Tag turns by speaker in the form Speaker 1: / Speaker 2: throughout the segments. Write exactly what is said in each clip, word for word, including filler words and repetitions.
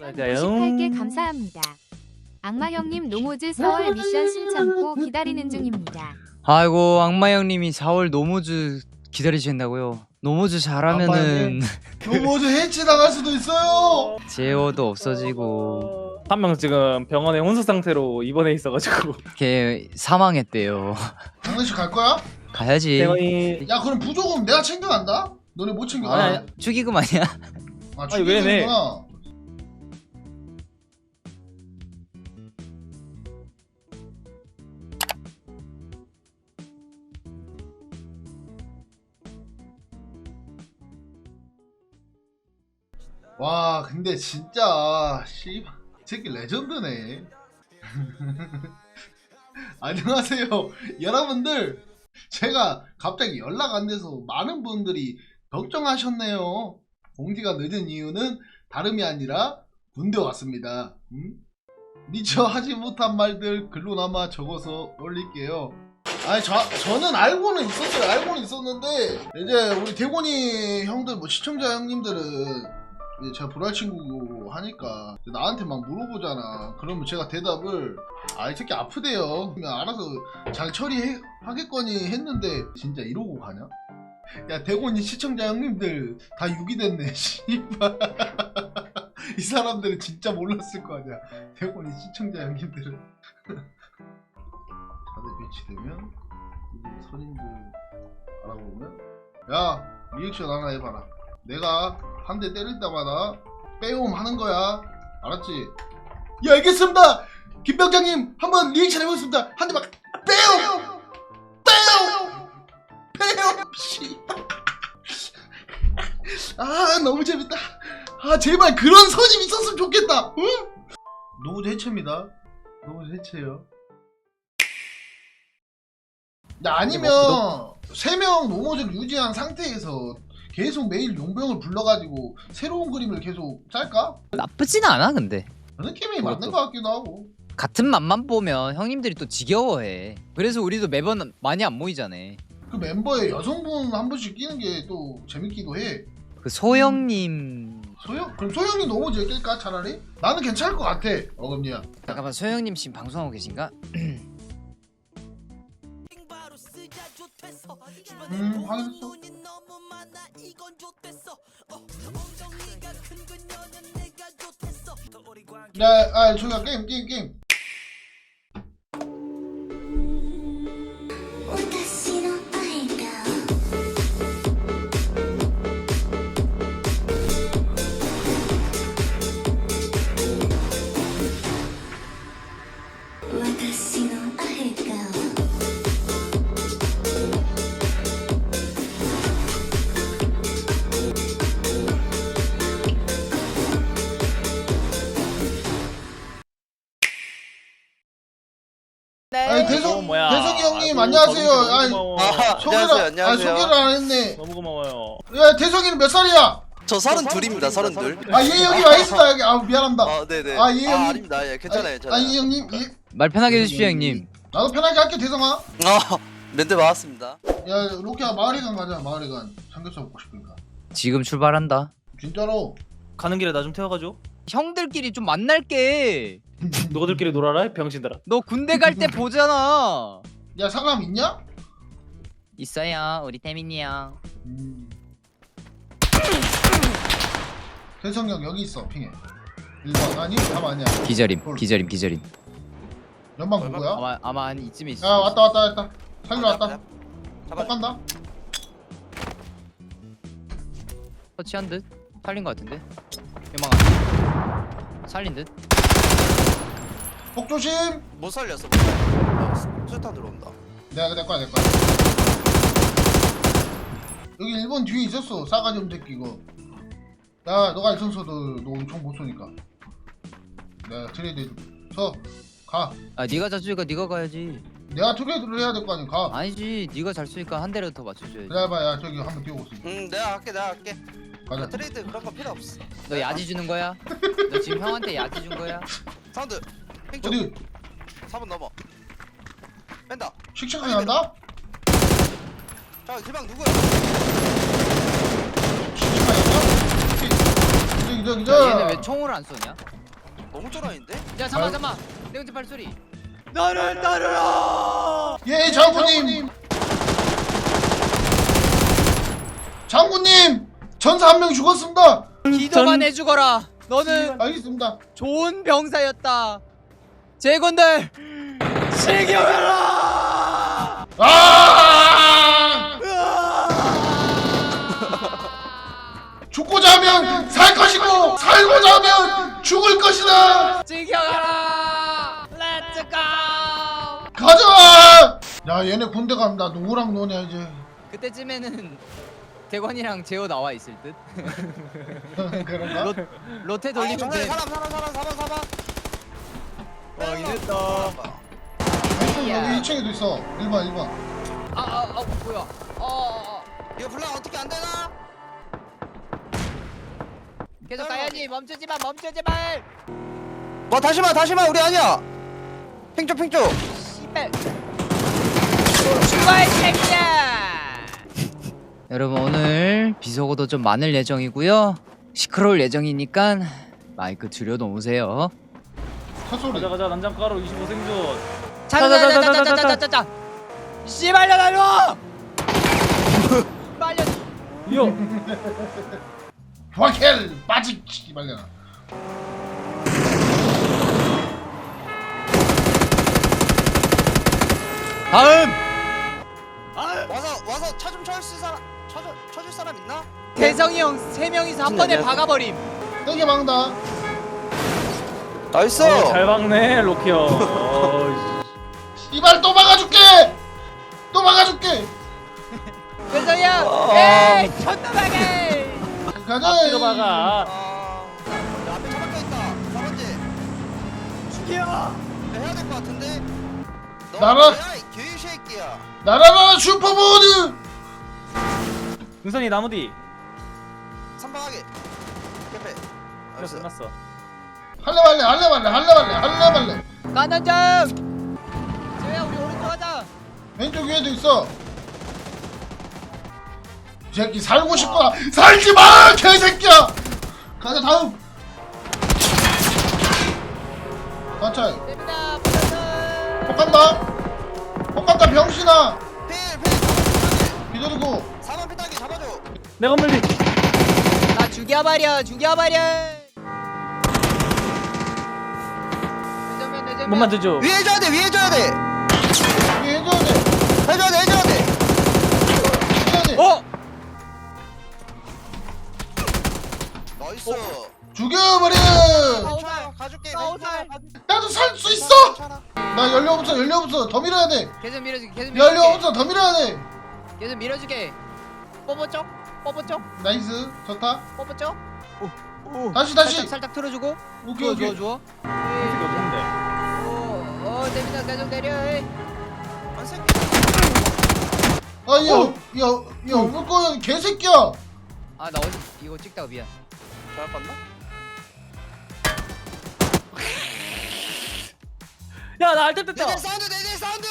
Speaker 1: 오십팔 개 감사합니다. 악마 형님 노모즈 사월 미션 신청고 기다리는 중입니다.
Speaker 2: 아이고 악마 형님이 사월 노모즈 기다리신다고요? 노모즈 잘하면은
Speaker 3: 노모즈 해치 나갈 수도 있어요.
Speaker 2: 제어도 없어지고
Speaker 4: 한 명 지금 병원에 혼수 상태로 입원해 있어가지고
Speaker 2: 걔 사망했대요.
Speaker 3: 장례식 갈 거야?
Speaker 2: 가야지.
Speaker 4: 대원이
Speaker 3: 야 그럼 부조금 내가 챙겨간다? 너네 못 챙겨.
Speaker 4: 아니,
Speaker 3: 아,
Speaker 2: 축의금 아니야?
Speaker 3: 아
Speaker 4: 아니, 왜 내?
Speaker 3: 죽이는구나. 와 근데 진짜 씨발 이 새끼 레전드네. 안녕하세요 여러분들. 제가 갑자기 연락 안 돼서 많은 분들이 걱정하셨네요. 공지가 늦은 이유는 다름이 아니라 군대 왔습니다. 음? 미처 하지 못한 말들 글로나마 적어서 올릴게요. 아니 저, 저는 알고는 있었어요. 알고는 있었는데 이제 우리 대곤이 형들 뭐 시청자 형님들은 이제 제가 불알 친구고 하니까 나한테 막 물어보잖아. 그러면 제가 대답을 아 이 새끼 아프대요. 그냥 알아서 잘 처리하겠거니 했는데 진짜 이러고 가냐? 야 대곤이 시청자 형님들 다 유기됐네. 씨발. 이 사람들은 진짜 몰랐을 거 아니야. 대곤이 시청자 형님들은. 다들 배치되면 이제 선임들 알아보면 야 리액션 하나 해봐라. 내가 한 대 때릴 때마다 빼옴 하는 거야. 알았지? 예 알겠습니다. 김 병장님 한번 리액션 해보겠습니다. 한 대 막 빼옴 빼옴 빼옴 씨. 아 너무 재밌다. 아 제발 그런 선임 있었으면 좋겠다. 응? 노무즈 해체입니다. 노무즈 해체요. 야 아니면 세 명 노모즈를 유지한 상태에서 계속 매일 용병을 불러가지고 새로운 그림을 계속 짤까?
Speaker 2: 나쁘진 않아 근데.
Speaker 3: 그 느낌이
Speaker 2: 그것도.
Speaker 3: 맞는 것 같기도 하고.
Speaker 2: 같은 맛만 보면 형님들이 또 지겨워해. 그래서 우리도 매번 많이 안 모이잖아.
Speaker 3: 그 멤버에 여성분 한 분씩 끼는 게 또 재밌기도 해.
Speaker 2: 그 소영님.
Speaker 3: 소영? 그럼 소영이 노모즈에 낄까 차라리? 나는 괜찮을 것 같아. 어금니야.
Speaker 2: 잠깐만 소영님 지금 방송하고 계신가?
Speaker 3: 음 확인했어. 야, 아 저기야 게임 게임 게임.
Speaker 5: 私の愛が私の愛が
Speaker 3: 아니 대성
Speaker 4: 어, 뭐야.
Speaker 3: 대성이 형님
Speaker 4: 아이고,
Speaker 3: 안녕하세요.
Speaker 4: 너무
Speaker 3: 아니
Speaker 4: 고마워.
Speaker 6: 아,
Speaker 3: 소개를
Speaker 6: 안녕하세요,
Speaker 3: 아
Speaker 6: 안녕하세요.
Speaker 3: 소개를 안 했네.
Speaker 4: 너무 고마워요.
Speaker 3: 야 대성이는 몇 살이야?
Speaker 6: 저 서른 둘입니다, 서른 둘.
Speaker 3: 아 예 여기 와 있습니다 여기. 아 미안합니다.
Speaker 6: 아, 네네.
Speaker 3: 아, 예, 형님.
Speaker 6: 아닙니다. 예, 괜찮아요, 괜찮아요.
Speaker 3: 아예 형님 예.
Speaker 2: 말 편하게 해주십시오 형님.
Speaker 3: 나도 편하게 할게 대성아.
Speaker 6: 아, 멘트 맞았습니다.
Speaker 3: 야 로키야 마을회관 가자. 마을회관 삼겹살 먹고 싶으니까.
Speaker 2: 지금 출발한다.
Speaker 3: 진짜로.
Speaker 4: 가는 길에 나 좀 태워가줘.
Speaker 2: 형들끼리 좀 만날게.
Speaker 4: 너희들끼리 놀아라 병신들아.
Speaker 2: 너 군대 갈 때 보잖아.
Speaker 3: 야 상암 있냐?
Speaker 2: 있어요 우리 태민이 형.
Speaker 3: 음. 대성이 형 여기 있어 핑해. 일 번 아니? 답 아니야.
Speaker 2: 기절임 기절임 기절임.
Speaker 3: 연방 누구야?
Speaker 2: 아마 아마 한 이쯤에 있어.
Speaker 3: 야 왔다 왔다 왔다. 살려 왔다. 못
Speaker 6: 잡아.
Speaker 3: 간다.
Speaker 2: 터치한 듯 살린 것 같은데. 유망한 살린 듯.
Speaker 3: 폭 조심.
Speaker 6: 못 살렸어. 못 살렸어. 수탄 들어온다.
Speaker 3: 내가 내 거야 내 거야. 여기 일 번 뒤에 있었어. 싸가지 없는 새끼 이거. 야 너가 일선 쏘도 너 엄청 못 쏘니까. 내가 트레이드 해줄게. 서 가.
Speaker 2: 아 네가 잘 쏘니까 네가 가야지.
Speaker 3: 내가 트레이드를 해야 될 거 아니야. 가.
Speaker 2: 아니지 네가 잘 쏘니까 한 대라도 더 맞춰줘야지.
Speaker 3: 기다려봐. 야 저기 한번 뛰어오고 있어.
Speaker 6: 응, 내가 할게, 내가 할게.
Speaker 3: 가자.
Speaker 6: 트레이드 그런 거 필요 없어.
Speaker 2: 너 야지 주는 거야? 너 지금 형한테 야지 준 거야?
Speaker 6: 사운드. 핑쪽.
Speaker 3: 어디
Speaker 6: 사 번 넘어. 뺀다.
Speaker 3: 식착하게 한다?
Speaker 6: 자, 지방 누구야?
Speaker 3: 식착하게 한다? 기저 기저
Speaker 2: 야, 얘네
Speaker 3: 기저.
Speaker 2: 왜 총을 안 쏘냐?
Speaker 6: 너무 쫄아인데?
Speaker 2: 야 잠깐 잠깐. 내용지 발소리. 나를 따르라.
Speaker 3: 예 장군님. 장군님 전사 한 명 죽었습니다.
Speaker 2: 기도만 해주거라. 너는
Speaker 3: 알겠습니다.
Speaker 2: 좋은 병사였다. 제군들 즐겨라.
Speaker 3: 아! 죽고자 하면 살 것이고 살고자 하면 죽을 것이다.
Speaker 2: 즐겨가라. 렛츠 고.
Speaker 3: 가자. 야 얘네 군대 간다. 누구랑 노냐 이제.
Speaker 2: 그때쯤에는 대관이랑 재호 나와 있을 듯.
Speaker 3: 그런가?
Speaker 2: 로, 로테
Speaker 6: 아,
Speaker 2: 돌리면
Speaker 6: 정말
Speaker 2: 돼.
Speaker 6: 사람 사람 사람 사람 사람.
Speaker 2: 확인했다.
Speaker 3: 여기 이 층에도 있어. 일 번 일 번.
Speaker 2: 아아 아, 뭐야? 어, 어, 어.
Speaker 6: 이거 불랑 어떻게 안 되나?
Speaker 2: 계속 가야지. 멈추지 마. 멈추지 마.
Speaker 6: 와 다시 마 다시 마 우리 아니야. 팽쪽 팽쪽.
Speaker 2: 씨발. 죽어야 새끼야. 여러분 오늘 비속어도 좀 많을 예정이고요. 시끄러울 예정이니까 마이크 줄여놓으세요.
Speaker 3: 사소리.
Speaker 4: 가자 가자 난장가루 이십오 생존.
Speaker 2: 자자자자자자자자자. 씨발려 달려. 빨려.
Speaker 4: 이요.
Speaker 3: 와켈 빠지기 말려나.
Speaker 2: 다음.
Speaker 6: 와서 와서 차 좀 쳐줄 사람 쳐줄 쳐줄 사람 있나?
Speaker 2: 대성이 형 세 명이서 한 번에 박아버림.
Speaker 3: 세게 막다.
Speaker 6: 나이스.
Speaker 4: 어, 잘 박네 로키 형. 어,
Speaker 3: 이발 또 막아줄게. 또 막아줄게.
Speaker 2: 대성이 형.
Speaker 6: 어.
Speaker 2: 에이 존나 박해.
Speaker 3: 가자.
Speaker 4: 앞뒤로 박아.
Speaker 6: 아, 야, 앞에 차 박혀 있다. 사 번째.
Speaker 2: 죽여.
Speaker 6: 해야 될 것 같은데. 너
Speaker 3: 나라-
Speaker 6: 뭐야, 이 개새끼야.
Speaker 3: 나라라 슈퍼보드.
Speaker 4: 은선이 나무 뒤.
Speaker 6: 선방하게. 개패.
Speaker 4: 끝났어 끝났어.
Speaker 3: 할래 말래 할래 말래 할래 말래 할래 말래.
Speaker 2: 가는 중. 재호야 우리 오른쪽 가자.
Speaker 3: 왼쪽 위에도 있어. 이 새끼 살고 싶구나. 살지 마 개새끼야. 가자 다음. 가차.
Speaker 2: 됩니다. 붙었어.
Speaker 3: 폭간다. 폭간다 병신아.
Speaker 6: 필, 필.
Speaker 3: 기다리고.
Speaker 6: 사 번 피딱이 잡아줘.
Speaker 4: 내 건물 뒤.
Speaker 2: 나 죽여버려. 죽여버려. 내정면 내정면.
Speaker 4: 못 만져줘.
Speaker 6: 위에 해줘야 돼, 위에 해줘야 돼.
Speaker 3: 이게 해줘야 돼.
Speaker 6: 해줘야 돼, 해줘야 돼.
Speaker 3: 해줘야 돼.
Speaker 2: 어?
Speaker 6: 나이스.
Speaker 3: 죽여버려.
Speaker 6: 괜찮아, 가줄게.
Speaker 2: 싸우자.
Speaker 6: 괜찮아,
Speaker 3: 나도 살 수 있어.
Speaker 6: 괜찮아.
Speaker 3: 나 연료 없어 연료 없어 더 밀어야 돼.
Speaker 2: 계속 밀어줄게. 계속
Speaker 3: 연료
Speaker 2: 밀어줄게.
Speaker 3: 없어 더 밀어야 돼.
Speaker 2: 계속 밀어줄게. 뽀뽀쪽. 뽀뽀쪽.
Speaker 3: 나이스 좋다.
Speaker 2: 뽀뽀쪽.
Speaker 3: 다시 다시.
Speaker 2: 살짝 살짝 틀어주고.
Speaker 3: 오케이
Speaker 2: 좋아
Speaker 3: 오케이.
Speaker 2: 좋아 좋아.
Speaker 4: 이게 없는데.
Speaker 2: 어, 어, 됩니다. 계속 내려. 에이.
Speaker 6: 한 새끼.
Speaker 3: 아야야야 올 거야 개새끼야.
Speaker 2: 아, 나 어제 이거 찍다가 미안.
Speaker 6: 잘 봤나?
Speaker 4: 야나 알뜰 됐다.
Speaker 6: 내들 사운드, 내들 사운드.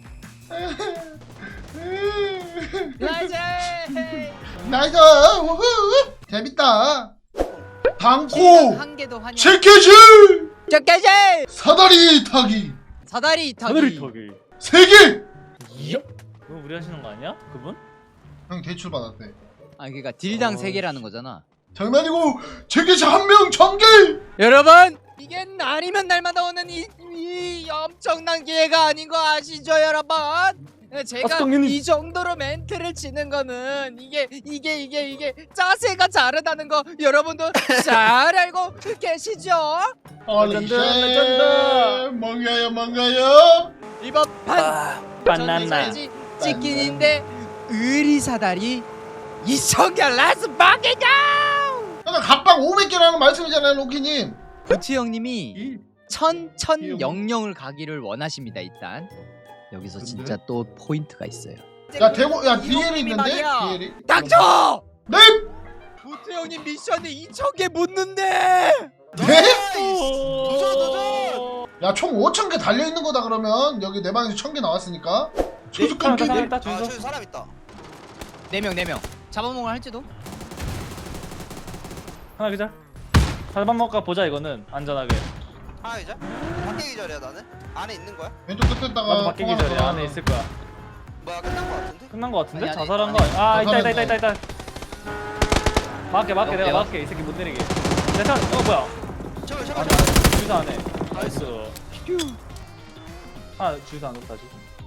Speaker 2: 나이스.
Speaker 3: 나이스 우후 재밌다. 당코
Speaker 2: 한 개도 환영.
Speaker 3: 체케지
Speaker 2: 저까지.
Speaker 3: 사다리 타기
Speaker 2: 사다리 타기.
Speaker 4: 하늘이 턱이.
Speaker 3: 세개.
Speaker 4: 이야? 그거 우리 하시는 거 아니야? 그분?
Speaker 3: 형 대출 받았대.
Speaker 2: 아, 그러니까 딜당
Speaker 4: 어.
Speaker 2: 세 개라는 거잖아.
Speaker 3: 장난이고 체케지 한 명 전개.
Speaker 2: 여러분, 이게 날이면 날마다 오는 이, 이 엄청난 기회가 아닌 거 아시죠, 여러분? 제가
Speaker 4: 아스통님.
Speaker 2: 이 정도로 멘트를 치는 거는 이게 이게 이게 이게 자세가 다르다는 거 여러분도 잘 알고 계시죠?
Speaker 3: 어리쉐
Speaker 4: 레전드.
Speaker 3: 뭔가요 뭔가요.
Speaker 2: 이번 판
Speaker 4: 바나나.
Speaker 2: 전지까지 치킨인데 의리사다리 이천 개 라스 바게죠.
Speaker 3: 그러니까 각방 오백 개라는 말씀이잖아요 로키님.
Speaker 2: 부치 형님이
Speaker 3: 이
Speaker 2: 천천 영영을 가기를 원하십니다. 일단 여기서
Speaker 3: 근데?
Speaker 2: 진짜 또 포인트가 있어요.
Speaker 3: 야 대고 야
Speaker 2: 이
Speaker 3: 디엘이
Speaker 2: 형님이
Speaker 3: 있는데
Speaker 2: 말이야.
Speaker 3: 디엘이.
Speaker 2: 닥쳐!
Speaker 3: 네?
Speaker 2: 부치 형님 미션에 이천 개 묻는데.
Speaker 3: 네?
Speaker 6: 도전, 도전.
Speaker 3: 야 총 오천 개 달려 있는 거다 그러면 여기 내 방에서 천 개 나왔으니까. 조숙한 게.
Speaker 4: 사람 있다
Speaker 6: 아,
Speaker 4: 준서.
Speaker 6: 저기 사람 있다.
Speaker 2: 네 명 네 명 잡아먹을 할지도.
Speaker 4: 하나 기자. 살밥 먹을까 보자 이거는 안전하게.
Speaker 6: 하나 기절? 밖에 기절이야 나는? 안에 있는 거야?
Speaker 3: 왼쪽 끝에다가
Speaker 4: 나도 밖에
Speaker 3: 통 하나
Speaker 4: 기절이야.
Speaker 3: 더.
Speaker 4: 안에 있을 거야.
Speaker 6: 뭐야 끝난 거 같은데?
Speaker 4: 끝난 거 같은데?
Speaker 2: 아니, 아니,
Speaker 4: 자살한
Speaker 2: 아니.
Speaker 4: 거 아니야? 아 있다 있다 있다
Speaker 3: 자살했네.
Speaker 4: 있다 있다. 막게 막게 내가
Speaker 2: 여보세요?
Speaker 4: 막게 이 새끼 못 내리게. 내차 어 뭐야?
Speaker 6: 제발 제발
Speaker 4: 안에
Speaker 6: 제발
Speaker 4: 주유소 안에.
Speaker 6: 나이스.
Speaker 4: 나이스. 아 주유소 안 높다지.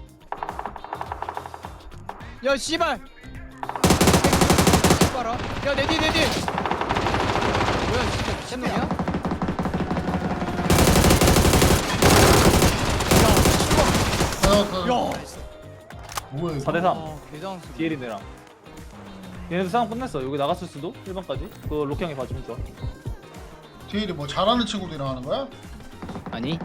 Speaker 2: 야 씨발 봐라 야내 뒤 내 뒤 뭐야 진짜 미친놈이야?
Speaker 3: 야,
Speaker 2: 나이스.
Speaker 3: 뭐야 이거?
Speaker 4: 사 대 삼.
Speaker 2: 어 개장수
Speaker 4: 디엘이네랑. 얘네도 싸움 끝냈어. 여기 나갔을 수도? 일 번까지. 그거 로키 형이 봐주면 좋아.
Speaker 3: 디엘이 뭐 잘하는 친구들이랑 하는 거야?
Speaker 2: 아니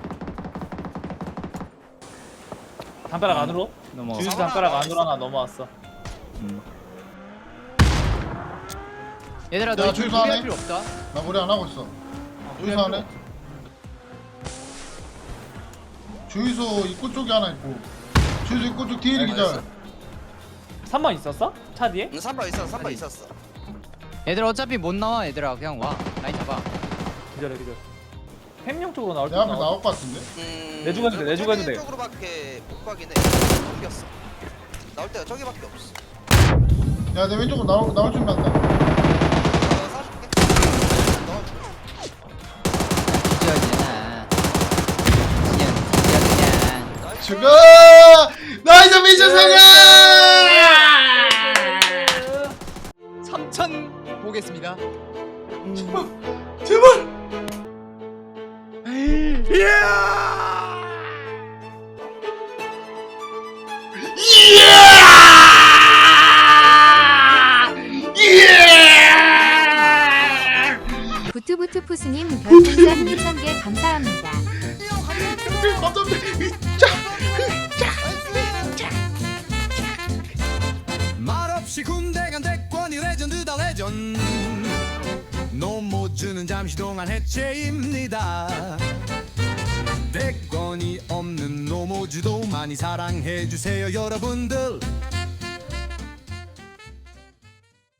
Speaker 4: 담벼락 안으로?
Speaker 2: 넘어
Speaker 4: 주유소
Speaker 6: 사번아,
Speaker 4: 담벼락
Speaker 6: 나와
Speaker 4: 안으로 하나 넘어왔어.
Speaker 2: 얘들아
Speaker 3: 야,
Speaker 2: 너희
Speaker 3: 주유소
Speaker 2: 준비할
Speaker 3: 안에?
Speaker 2: 필요 없다
Speaker 3: 나 머리 안 하고 있어. 주유소 안에? 주유소 입구 쪽에 하나 있고. 주유소 입구 쪽 디엘이
Speaker 6: 네,
Speaker 3: 기절.
Speaker 4: 삼 번 있었어? 차 뒤에?
Speaker 6: 응 삼 번 있었어 삼 번
Speaker 2: 아니.
Speaker 6: 있었어
Speaker 2: 얘들 어차피 못 나와 얘들아 그냥 와 라인 잡아
Speaker 4: 기절해 기절. 햄용 쪽으로 나올 때
Speaker 3: 내 앞에
Speaker 4: 나와.
Speaker 3: 나올 것 같은데?
Speaker 6: 음...
Speaker 4: 내주고 해도 돼, 내주고 해도 돼.
Speaker 6: 쪽으로밖에 못 가긴 해 넘겼어 나올 때가 저기밖에 없어
Speaker 3: 야, 내 왼쪽으로 나올, 나올 준비한다.
Speaker 6: 내가 쏴줄게 넣어줄게
Speaker 2: 기절이잖아 기절 기절 그냥
Speaker 3: 죽어! 나이스 미션 성공!
Speaker 2: 삼천 보겠습니다
Speaker 3: 제발!
Speaker 1: 부투부투 푸스님 별풍선 이천 개 감사합니다.
Speaker 7: 말없이 군대 간 대권이 레전드다 레전 노모주는 잠시 동안 해체입니다 대권이 없는 노모주도 많이 사랑해주세요 여러분들